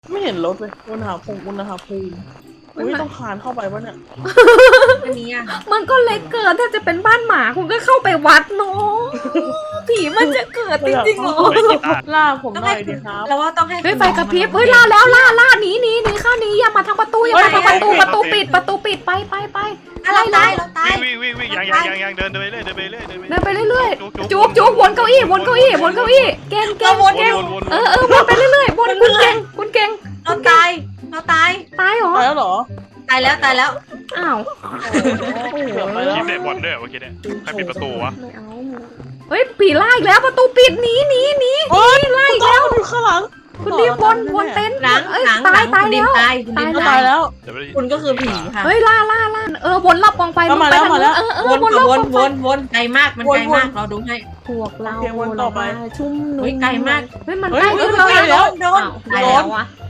ไม่เห็นรถเลยอุณหภูมิอุ้ยต้องคานเข้าไปวะเนี่ยอันนี้อ่ะมันก็เล็กเกินถ้าจะเป็นบ้านหมาคุณก็เข้าไปวัดเนาะผีมันจะเกิดจริงๆเหรอล่าผมต้องหน่ให้อยดิครับเราว่าต้องให้เฮ้ยไฟกระพริบเฮ้ยล่าแล้วล่าหนีเข้าหนีอย่ามาทางประตูอย่ามาทางประตูประตูปิดไปเราตายวิ่งยังเดินไปเรื่อยเดินไปเรื่อยๆจุ๊บวนเก้าอี้เก่งวนไปเรื่อยๆวนคุณเก่งเราตายตายเหรอตายแล้วเหรอตายแล้วอ้าวเกือบไปแล้วทีมเด็กบอลด้วยเมื่อกี้เนี่ยใครปิดประตูวะไม่เอาเฮ้ยผีไล่อีกแล้วประตูปิดหนีโอ๊ยไล่อีกแล้วอยู่ข้างหลังคุณดิมวนเต็นท์หลังเอ้ยหลังตายคุณดิมแล้วตายคุณดิมก็ตาตาย ยแล้วคุณก็คือผีค่ะเฮ้ยล่าวนรอบกองไฟมาแล้วไปทางนู้นวนรอบกองไฟวนไกลมากมันไกลมากเราดูให้พวกเราโอเควนต่อไปชุ่มนุ่มเฮ้ยไกลมากเฮ้ยมันเฮ้ใกล้ยขึ้นเฮ้ยแล้วเฮ้ยโดนอ้าวตายแล้ววะ